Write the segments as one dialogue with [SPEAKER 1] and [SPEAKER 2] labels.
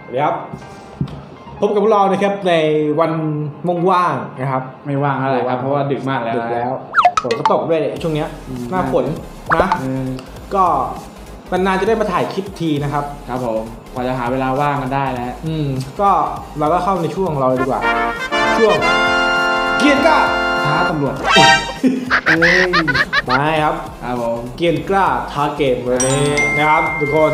[SPEAKER 1] สวัสดีครับพบกับพวกเรานะครับในวันว่างๆนะครับ
[SPEAKER 2] ไม่ว่างอะไรครับเพราะว่าดึกมากแล้ว
[SPEAKER 1] ดึกแล้วฝนก็ตกด้วยเนี่ยช่วงเนี้ยหน้าฝนนะก็นานๆจะได้มาถ่ายคลิปทีนะครับ
[SPEAKER 2] ครับผมกว่าจะหาเวลาว่างกันได้แล้ว
[SPEAKER 1] ก็เราก็เข้าในช่วงของเราเลยดีกว่าช่วงเกียร์กล้า
[SPEAKER 2] ท้าตำรวจ
[SPEAKER 1] มาครับ
[SPEAKER 2] ครับผม
[SPEAKER 1] เกียร์กล้าท้าเกมวันนี้นะครับทุกคน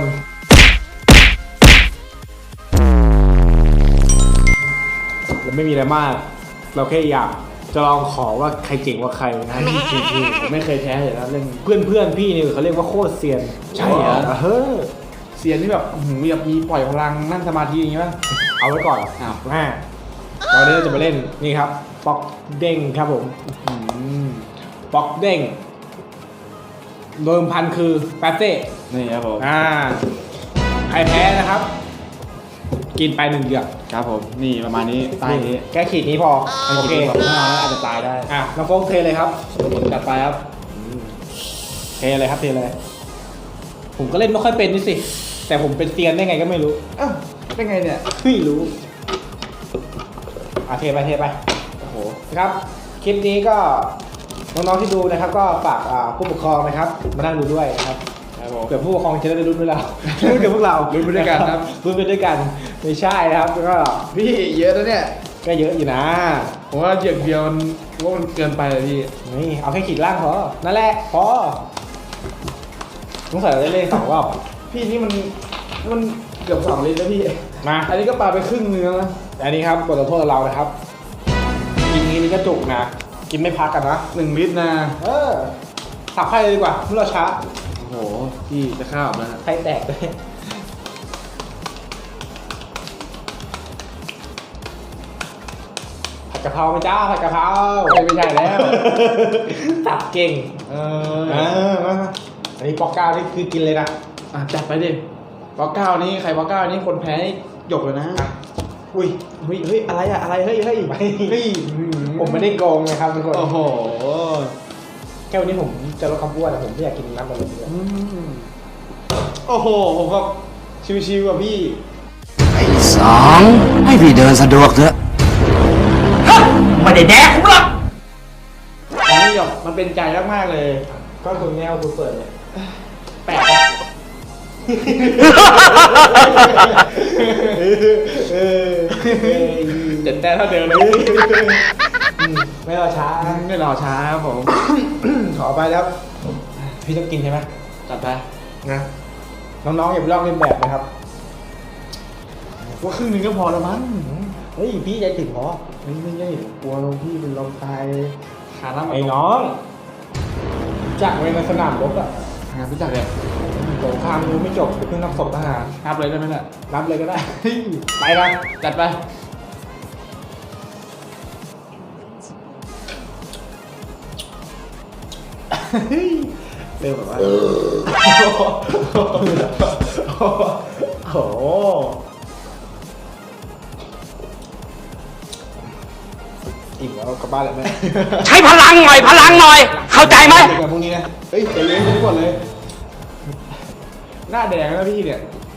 [SPEAKER 1] เราไม่มีอะไรมากเราแค่อยากจะลองขอว่าใครเจ๋งกว่าใครนะ
[SPEAKER 2] จริงๆผมไม่เคยแพ้เลยนะเรื่อง
[SPEAKER 1] เพื่อนพี่นี่เขาเรียกว่าโคตรเซียน
[SPEAKER 2] ใช่เหรอ
[SPEAKER 1] เ
[SPEAKER 2] ซียนที่แบบมีปล่อยพลังนั่งสมาธิอย่างงี้ป่ะ
[SPEAKER 1] เอาไว้ก่อนเราเนี่ยจะมาเล่นนี่ครับป๊อกเด้งครับผมป๊อกเด้งโดยพันคือแปเซ่
[SPEAKER 2] นี่ครับผม
[SPEAKER 1] ใครแพ้นะครับกินไป1 เดือน
[SPEAKER 2] ครับผมนี่ประมาณนี้ตายนี้
[SPEAKER 1] แค่ขีดนี้พอโอเค
[SPEAKER 2] อาจจะตายได้
[SPEAKER 1] น้องโฟกเทเลยครับ
[SPEAKER 2] จัดไปครับ
[SPEAKER 1] เทเลยครับเทเลยผมก็เล่นไม่ค่อยเป็นนี่สิแต่ผมเป็นเซียนได้ไงก็ไม่รู้
[SPEAKER 2] เป็นไงเนี่ย
[SPEAKER 1] ไม่รู้เทไป
[SPEAKER 2] โอ้โห
[SPEAKER 1] นะครับคลิปนี้ก็น้องๆที่ดูนะครับก็ฝากผู้ปกครองนะครับมานั่งดูด้วยนะครับเผื่อผู้ปกครองจะได้ลุ้นด้วยเราลุ้นกับพวกเรา
[SPEAKER 2] ลุ้นไปด้วยกันครับ
[SPEAKER 1] ลุ้นไปด้วยกันไม่ใช่นะครับก็
[SPEAKER 2] พี่เยอะแล้วเนี่ย
[SPEAKER 1] ก็เยอะอยู่นะ
[SPEAKER 2] ผมว่าเดียวมันเกินไปเลยพี่
[SPEAKER 1] นี่เอาแค่ขีดล่างพอนั่นแหละพอต้องใส่เล่น2 รอบ
[SPEAKER 2] พี่นี่มันเกือบ2 ลิตรแล้วพี่
[SPEAKER 1] มา
[SPEAKER 2] อันนี้ก็ปาไปครึ่งเนื้อแล้ว
[SPEAKER 1] อันนี้ครับบทลงโทษเรานะครับกินนี้ก็จุกนะกินไม่พักกันนะ
[SPEAKER 2] 1 ลิตรนะ
[SPEAKER 1] สับไข่เลยดีกว่าเมื่อเราช้า
[SPEAKER 2] โอ้โหพี่จะข้าวนะ
[SPEAKER 1] ไข่แตกเลยผัดกะเพราไหมจ้าผัดกะเพรา
[SPEAKER 2] ไม่ใช่แล้ว
[SPEAKER 1] สับเก่งอันนี้ปอก9นี่คือกินเลยนะ
[SPEAKER 2] จัดไปดิปอก9นี่ใครปอก9นี่คนแพ้หยกเลยนะ
[SPEAKER 1] อุ้ยเฮ้ยอะไรเฮ้ยผมไม่ได้โกงนะครับทุกคน
[SPEAKER 2] โอ้โห
[SPEAKER 1] แค่วันนี้ผมจะลดความอ้วนแต่ผมไม่อยากกินน้ำมันเลย
[SPEAKER 2] โอ้โหผมก็ชิวๆกับพี่
[SPEAKER 3] ไอ้2ให้พี่เดินสะดวกเถอะไม่ได้แดกผมหรอก
[SPEAKER 2] อันนี้หยกมันเป็นใจมากๆเลย
[SPEAKER 1] ก็คนแนวคุณเปิดเนี่ย
[SPEAKER 2] แปลกเจ็ดแต้มเท่าเดิมเลย
[SPEAKER 1] ไม่รอช้า
[SPEAKER 2] ครับผม
[SPEAKER 1] ขอไปแล้วพี่ต้องกินใช่ไหม
[SPEAKER 2] จัดไป
[SPEAKER 1] นะน้องๆอย่าไปลอกเลียนแบบนะครับ
[SPEAKER 2] ว่าครึ่งนึงก็พอแล้วมั้ง
[SPEAKER 1] เฮ้ยพี่ใจถึงพอ
[SPEAKER 2] ไม่ใช่กลัวพี่เป็นลมตาย
[SPEAKER 1] ขาล้ำไอ้น้องจากในสนามรบอะ
[SPEAKER 2] รู้จักเลย
[SPEAKER 1] สงครามยังไม่จบเพิ่งนับศพทหาร
[SPEAKER 2] นับเลยได้ไหมล่ะ
[SPEAKER 1] นับเลยก็ได้ไปกัน
[SPEAKER 2] จัดไป
[SPEAKER 1] เร็วแบบว่าโอ้อิ่มแล้วกลับบ้านแล้วแม่
[SPEAKER 3] ใช้พลังหน่อยเข้าใจไหม
[SPEAKER 1] แบบพวกนี้นะ
[SPEAKER 2] เฮ้ยเลี้ยงทุกคนเลยหน้าแดงแล้วพี่เนี่ย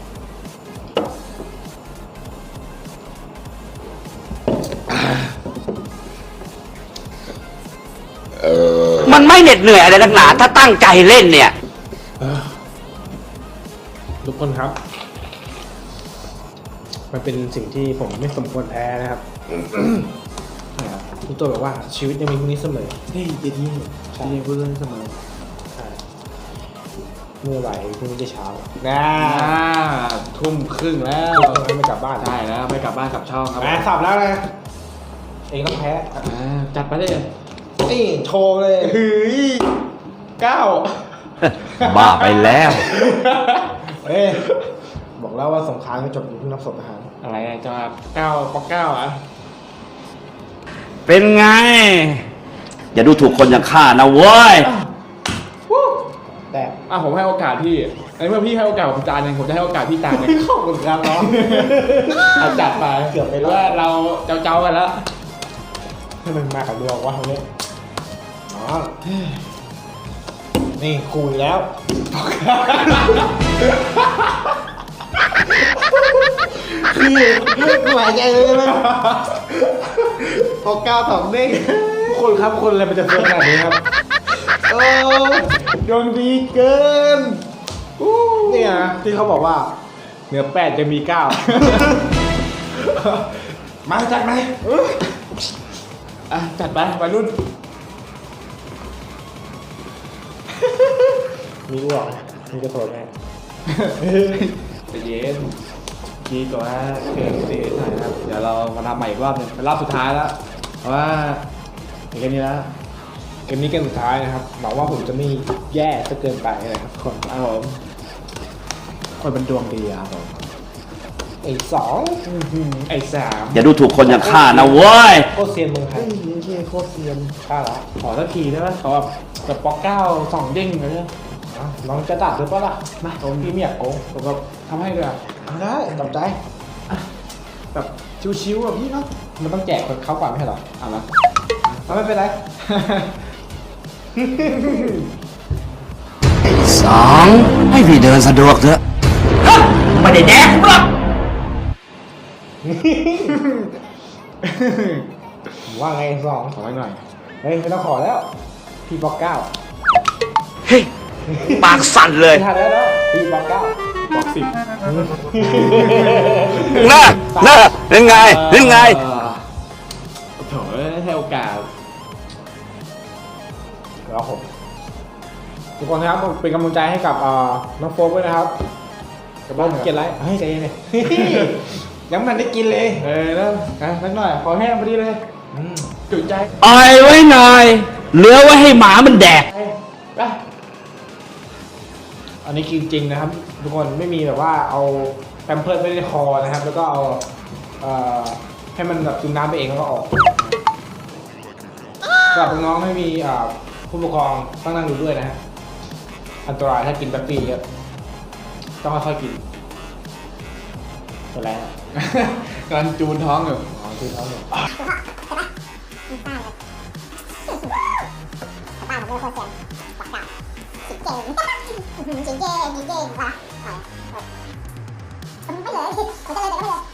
[SPEAKER 3] มันไม่เหน็ดเหนื่อยอะไรนักหนาถ้าตั้งใจเล่นเนี่ย
[SPEAKER 1] ทุกคนครับมันเป็นสิ่งที่ผมไม่สมควรแพ้นะครับทุกตัวแบบว่าชีวิตยังมีพรุ่งนี้เสมอ
[SPEAKER 2] เฮ้ยจะดีพูดเรื่องเสมอ
[SPEAKER 1] เมื่อไหร่พรุ่งนี้จะเช้า
[SPEAKER 2] ทุ่มครึ่งแล้ว
[SPEAKER 1] ไม่กลับบ้าน
[SPEAKER 2] ได้แล้วไม่กลับบ้านกลับช่องครับ
[SPEAKER 1] สับแล้วนะเองต้องแพ้
[SPEAKER 2] จัดไปเลย
[SPEAKER 1] นี่โชว์เลย
[SPEAKER 2] 9
[SPEAKER 3] บ้าไปแล้ว
[SPEAKER 1] บอกแล้วว่าสงครามไม่จบอยู่ที่นับศพทหาร
[SPEAKER 2] อะไรจะ9 ปอก9อ่ะ
[SPEAKER 3] เป็นไงอย่าดูถูกคนอย่างข้านะเว้ย
[SPEAKER 1] แต่
[SPEAKER 2] ผมให้โอกาสพี่เมื่อพี่ให้โอกาสผมจานนึงผมจะให้โอกาสพี่จานนึง
[SPEAKER 1] ขอบคุณครับน้อง
[SPEAKER 2] จัดไป
[SPEAKER 1] เกือบไปแล้ว
[SPEAKER 2] เราเจ้ากันแล้ว
[SPEAKER 1] มึงมากับดวงว่าเขาเนี่ยนี่คุยแล้ว
[SPEAKER 2] คหมายใจเลยไหมปอกเก้าสองเด้ง
[SPEAKER 1] ทุกคนครับคนอะไรมันจะเฟิร์ขนาดนี้ครับ
[SPEAKER 2] โอ้ดวงดีเกิน
[SPEAKER 1] เนี่ยนะที่เขาบอกว่าเหนือ8จะมี9
[SPEAKER 2] มาจัดไหมจัดไปวัยรุ่น
[SPEAKER 1] มีอ้วกมีกระโถนไหม
[SPEAKER 2] ใจเย็นกีก่อนนะเกิดเสียหน่อยนะครับเดี๋ยวเรามาทำใหม่อีกรอบหนึงเป็นรอบสุดท้ายแล้วเพราะว่าอย่างนี้แล้ว
[SPEAKER 1] เกมนี้เกมสุดท้ายนะครับหวังว่าผมจะไม่แย่ซะเกินไปนะครับทุกคน
[SPEAKER 2] ครับผมคนเป็นดวงดีอะครับผม
[SPEAKER 1] ไอ้สอง
[SPEAKER 2] ไอ้สาม
[SPEAKER 3] อย่าดูถูกคนอย่างข้านะเว้ย
[SPEAKER 1] โคตรเซียนเมืองไทย
[SPEAKER 2] เฮ้ยโคตรเซียน
[SPEAKER 1] ข้าละ
[SPEAKER 2] ขอสักทีได้ไหมขอแบบปอกเก้าสองเด้งเลยเนี่ย
[SPEAKER 1] น้องจะตัดหรือเปล่าล่ะมาผมพี่ไม่อยากโกง
[SPEAKER 2] ผมแบบทำให้เลยอะ
[SPEAKER 1] เอาได้ตามใจ
[SPEAKER 2] แบบชิวๆอะพี่เนาะ
[SPEAKER 1] มันต้องแจกคนเขาก่อนไม่ใช่เหรอ
[SPEAKER 2] เอาละ
[SPEAKER 1] เอาไม่เป็นไร
[SPEAKER 3] ไอ้สองให้พี่เดินสะดวกเถอะฮะไม่ได้แดกผมหรอก
[SPEAKER 1] ว่าไงสอง
[SPEAKER 2] ขอไว้หน่อย
[SPEAKER 1] เฮ้ยไม่ต้องขอแล้วพี่บอก9
[SPEAKER 3] เฮ้ยปากสั่นเลย
[SPEAKER 1] ไม่ทันแล้วเนาะพี่บอก9
[SPEAKER 2] บอก10
[SPEAKER 3] น่าเป็นไง
[SPEAKER 2] โถ่ให้โอกาส
[SPEAKER 1] แล้วผมทุกคนครับเป็นกำลังใจให้กับน้องโฟกด้วยนะครับ
[SPEAKER 2] กับบ้าน
[SPEAKER 1] เกลียดไรเฮ้ยใจเย็นเลย ยังไมันได้กินเลย
[SPEAKER 2] แล้วสักหน่อยขอแห้งพอดีเลยจุใจ
[SPEAKER 3] ออยไว้หน่อย เหลือไว้ให้หมามันแดก
[SPEAKER 2] ไป
[SPEAKER 1] อันนี้กินจริงนะครับ ทุกคนไม่มีแบบว่าเอาแพมเพิร์สไว้ในคอนะครับ แล้วก็เอาให้มันแบบซึมน้ำไปเองแล้วก็ออกสำหรับน้องๆไม่มีผู้ปกครองต้องนั่งดูด้วยนะฮะอันตรายถ้ากินแป๊บปี้เยอะต้องค่อยๆกินเป็นไรฮะ
[SPEAKER 2] กำลังจูนท้องอยู่
[SPEAKER 1] อ๋อคือเขาเนี่ย
[SPEAKER 4] บ้านผมเป็นคนเสียงปากกาสิงเก่งสิงเก่งสิงเก่งว่ะไม่เลยไม่เลยแต่ก็ไม่เลย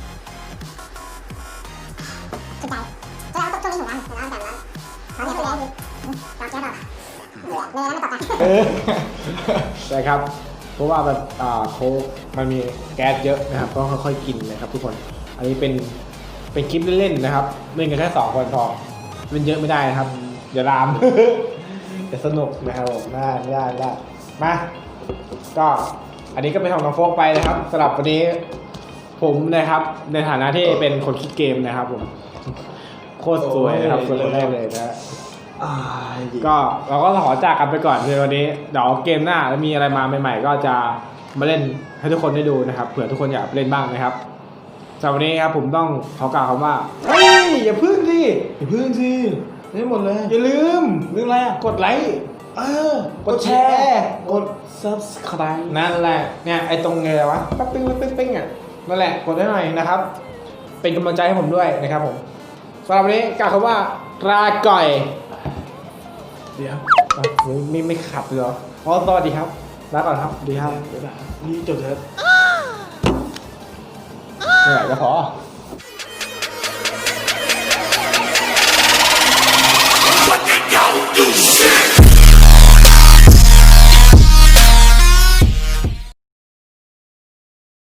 [SPEAKER 4] สุดใจจะเอาตัวนี้ของมันแต่ละแต่ละเขาเนี่ยไปแล้วต่อเจ้าต่อเลยแล้วไม่ต่อกัน
[SPEAKER 1] ใช่ครับเพราะว่าแบบโค้กมันมีแก๊สเยอะนะครับก็ค่อยๆกินนะครับทุกคนอันนี้เป็นคลิปเล่นๆนะครับเล่นกันแค่2 คนพอเล่นเยอะไม่ได้นะครับอย่าลาม จะสนุกนะครับผมได้มาก็อันนี้ก็เป็นของน้องโฟกไปนะครับสำหรับวันนี้ผมนะครับในฐานะที่เป็นคนคิดเกมนะครับผมโคตรสวยนะครับคนแรกเลยนะ ก็เราก็ขอจากกันไปก่อนในวันนี้เดี๋ยวเกมหน้าแล้วมีอะไรมาใหม่ๆก็จะมาเล่นให้ทุกคนได้ดูนะครับเผื่อทุกคนอยากเล่นบ้างนะครับสำหรับวันนี้ครับผมต้องขอกล่าวคำว่าเฮ้ยอย่าพึ่งสิ
[SPEAKER 2] ได้หมดเลย
[SPEAKER 1] อย่าลืม
[SPEAKER 2] เรื่องอะไรอ่ะ
[SPEAKER 1] กดไลค์ กดแชร์กด
[SPEAKER 2] subscribe
[SPEAKER 1] นั่นแหละเนี่ยไอ้ตรงไงวะปั๊บปิ้งอ่ะนั่นแหละกดได้หน่อยนะครับ เป็นกำลังใจให้ผมด้วยนะครับผมสำหรับวันนี้กล่าวคำว่าลาก่อย
[SPEAKER 2] เดี๋ยว
[SPEAKER 1] ไม่ขับเลยเหรออ๋อสวัสดีครับลาก่อนครับสวัสดีครับ
[SPEAKER 2] เดี๋ยวนี่จบเถอะ
[SPEAKER 1] ไม่ไหวก็พอ